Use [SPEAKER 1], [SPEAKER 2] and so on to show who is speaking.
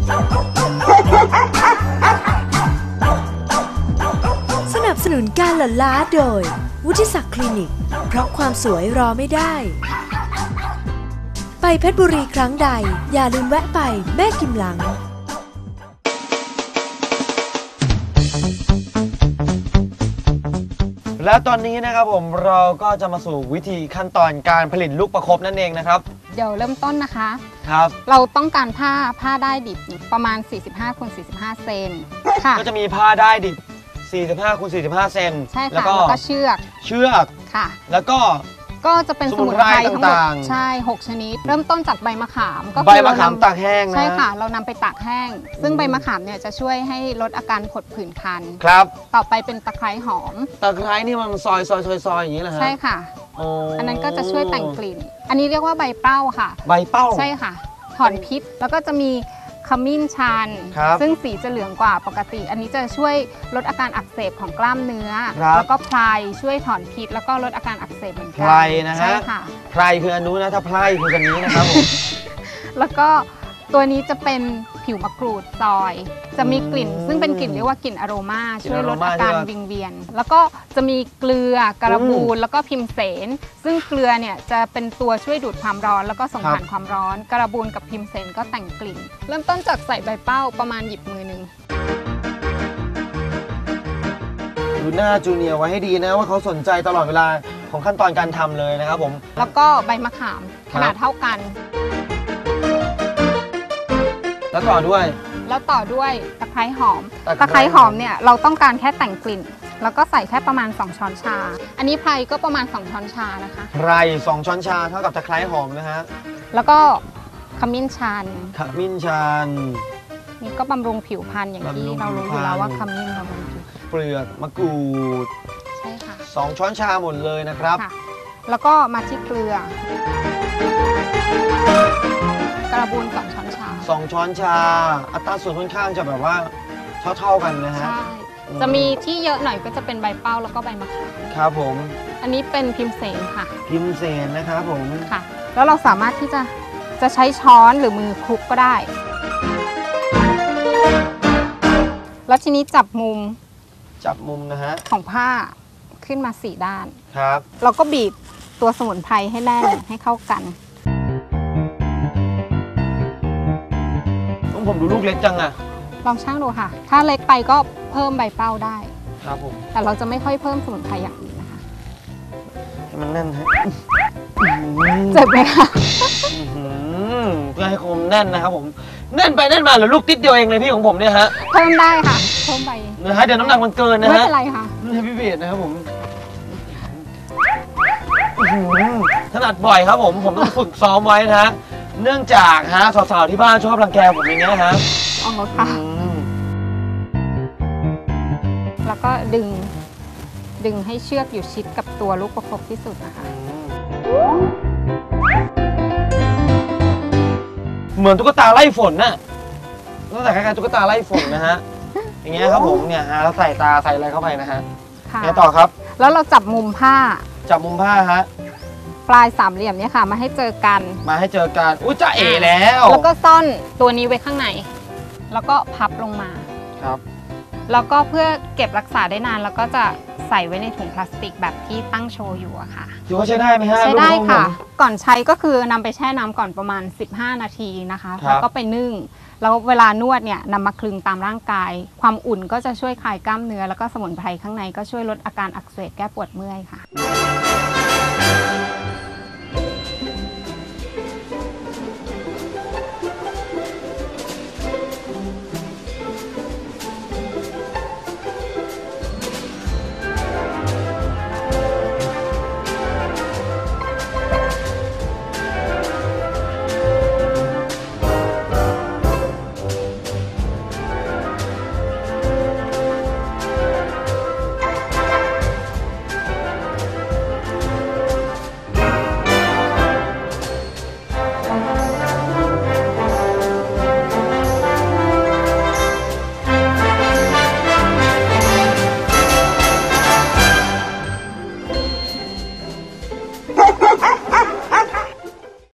[SPEAKER 1] สนับสนุนการหลั่นล้าโดยวุฒิศักดิ์คลินิกเพราะความสวยรอไม่ได้ไปเพชรบุรีครั้งใดอย่าลืมแวะไปแม่กิมหลัง
[SPEAKER 2] และตอนนี้นะครับผมเราก็จะมาสู่วิธีขั้นตอนการผลิตลูกประคบนั่นเองนะครับ
[SPEAKER 3] เดี๋ยวเริ่มต้นนะคะ
[SPEAKER 2] ครับ
[SPEAKER 3] เราต้องการผ้าได้ดิบประมาณ45 x 45 เซนค่ะ
[SPEAKER 2] ก็จะมีผ้าได้ดิบ45 x 45 เซน
[SPEAKER 3] ใช่ค่ะแล้วก็เชือกค่ะ
[SPEAKER 2] แล้ว
[SPEAKER 3] ก็จะเป็นสมุนไพรทั้งหมดใช่6ชนิดเริ่มต้นจากใบมะขามก็
[SPEAKER 2] ใบมะขามตากแห้งนะ
[SPEAKER 3] ใช่ค่ะเรานำไปตากแห้งซึ่งใบมะขามเนี่ยจะช่วยให้ลดอาการผดผื่นคัน
[SPEAKER 2] ครับ
[SPEAKER 3] ต่อไปเป็นตะไคร้หอม
[SPEAKER 2] ตะไคร้นี่มันซอยอย่างนี้เหรอฮะ
[SPEAKER 3] ใช่ค่ะอันนั้นก็จะช่วยแต่งกลิ่นอันนี้เรียกว่าใบเป้าค่ะ
[SPEAKER 2] ใบเป้า
[SPEAKER 3] ใช่ค่ะถอนพิษแล้วก็จะมีขมิ้นชันซึ่งสีจะเหลืองกว่าปกติอันนี้จะช่วยลดอาการอักเสบของกล้ามเนื้อแล้วก็ไพรช่วยถอนพิษแล้วก็ลดอาการอักเสบเหมือนกัน
[SPEAKER 2] ไพรนะฮะใช่ค่ะ
[SPEAKER 3] ไ
[SPEAKER 2] พรคืออันนู้นนะถ้าไพรคืออันนี้นะครับผม
[SPEAKER 3] แล้วก็ตัวนี้จะเป็นผิวมะกรูดซอยจะมีกลิ่นซึ่งเป็นกลิ่นเรียกว่ากลิ่นอโรมาช่วยลดอาการวิงเวียนแล้วก็จะมีเกลือกระบูลแล้วก็พิมเสนซึ่งเกลือเนี่ยจะเป็นตัวช่วยดูดความร้อนแล้วก็ส่งผ่านความร้อนกระบูลกับพิมเสนก็แต่งกลิ่นเริ่มต้นจากใส่ใบเป้าประมาณหยิบมือหนึ่ง
[SPEAKER 2] ดูหน้าจูเนียร์ไว้ให้ดีนะว่าเขาสนใจตลอดเวลาของขั้นตอนการทำเลยนะครับผม
[SPEAKER 3] แล้วก็ใบมะขามขนาดเท่ากัน
[SPEAKER 2] แล้วต่อด้วย
[SPEAKER 3] ตะไคร้หอมตะไคร้หอมเนี่ยเราต้องการแค่แต่งกลิ่นแล้วก็ใส่แค่ประมาณ2ช้อนชาอันนี้ไพรก็ประมาณ2ช้อนชานะคะ
[SPEAKER 2] ไพร2ช้อนชาเท่ากับตะไคร้หอมนะฮะ
[SPEAKER 3] แล้วก็ขมิ้นชันนี่ก็บำรุงผิวพรรณอย่างที่เรารู้อยู่แล้วว่าขมิ้นบำรุงผิว
[SPEAKER 2] เปลือกมะกรูด
[SPEAKER 3] ใช่ค่ะ
[SPEAKER 2] 2ช้อนชาหมดเลยนะครับ
[SPEAKER 3] แล้วก็มาที่เกลือกระบูล2ช้อนชา
[SPEAKER 2] 2ช้อนชาอัตราส่วนค่อนข้างจะแบบว่าเท่ากันนะฮะ
[SPEAKER 3] ใช่จะมีที่เยอะหน่อยก็จะเป็นใบเป้าแล้วก็ใบมะขาม
[SPEAKER 2] ครับผม
[SPEAKER 3] อันนี้เป็นพิมเสนค่ะ
[SPEAKER 2] พิมเสนนะครับผม
[SPEAKER 3] ค่ะแล้วเราสามารถที่จะใช้ช้อนหรือมือคลุกก็ได้แล้วทีนี้จับมุม
[SPEAKER 2] นะฮะ
[SPEAKER 3] ของผ้าขึ้นมา4ด้าน
[SPEAKER 2] ครับ
[SPEAKER 3] เราก็บีบตัวสมุนไพรให้แน่นให้เข้ากัน
[SPEAKER 2] ผมดูลูกเล็กจังอะ
[SPEAKER 3] ลองช่างดูค่ะถ้าเล็กไปก็เพิ่มใบเป้าได้
[SPEAKER 2] ครับผม
[SPEAKER 3] แต่เราจะไม่ค่อยเพิ่มสมุนไพรอย่างอื่นนะคะ
[SPEAKER 2] ให้มันแน่นฮะ
[SPEAKER 3] เจ็บไหมคะ
[SPEAKER 2] เพื่อให้คมแน่นนะครับผมแน่นไปแน่นมาหรือลูกติดเดียวเองเลยพี่ของผมเนี่ยฮะ
[SPEAKER 3] เพิ่มได้ค่ะเพิ่มไป
[SPEAKER 2] นะฮะเดี๋ยวน้ำหนักมันเกินนะฮะ
[SPEAKER 3] ไม่เป็นไรค่ะ
[SPEAKER 2] ให้พี่เบียดนะครับผมถนัดบ่อยครับผมต้องฝึกซ้อมไว้นะฮะเนื่องจากฮะสาวๆที่บ้านชอบรังแกผมอย่างเงี้ยฮะ
[SPEAKER 3] อ๋อค่ะแล้วก็ดึงให้เชือกอยู่ชิดกับตัวลูกประคบที่สุดนะคะ
[SPEAKER 2] เหมือนตุ๊กตาไล่ฝนน่ะตั้งแต่คล้ายๆตุ๊กตาไล่ฝนนะฮะอย่างเงี้ยครับผมเนี่ยฮะแล้วใส่ตาใส่อะไรเข้าไปนะฮะไงต่อครับ
[SPEAKER 3] แล้วเราจับมุมผ้า
[SPEAKER 2] ฮะ
[SPEAKER 3] ปลายสามเหลี่ยมเนี่ยค่ะมาให้เจอกัน
[SPEAKER 2] อุ้ยจะเอ๋แล้ว
[SPEAKER 3] ก็ซ่อนตัวนี้ไว้ข้างในแล้วก็พับลงมา
[SPEAKER 2] ครับ
[SPEAKER 3] แล้วก็เพื่อเก็บรักษาได้นานแล้วก็จะใส่ไว้ในถุงพลาสติกแบบที่ตั้งโชว์อยู่อะค่ะ
[SPEAKER 2] ถือว่าใช้ได้ไหมฮะ
[SPEAKER 3] ใช้ได้ค่ะก่อนใช้ก็คือนำไปแช่น้ำก่อนประมาณ15 นาทีนะคะแล้วก็ไปนึ่งแล้วเวลานวดเนี่ยนำมาคลึงตามร่างกายความอุ่นก็จะช่วยคลายกล้ามเนื้อแล้วก็สมุนไพรข้างในก็ช่วยลดอาการอักเสบแก้ปวดเมื่อยค่ะ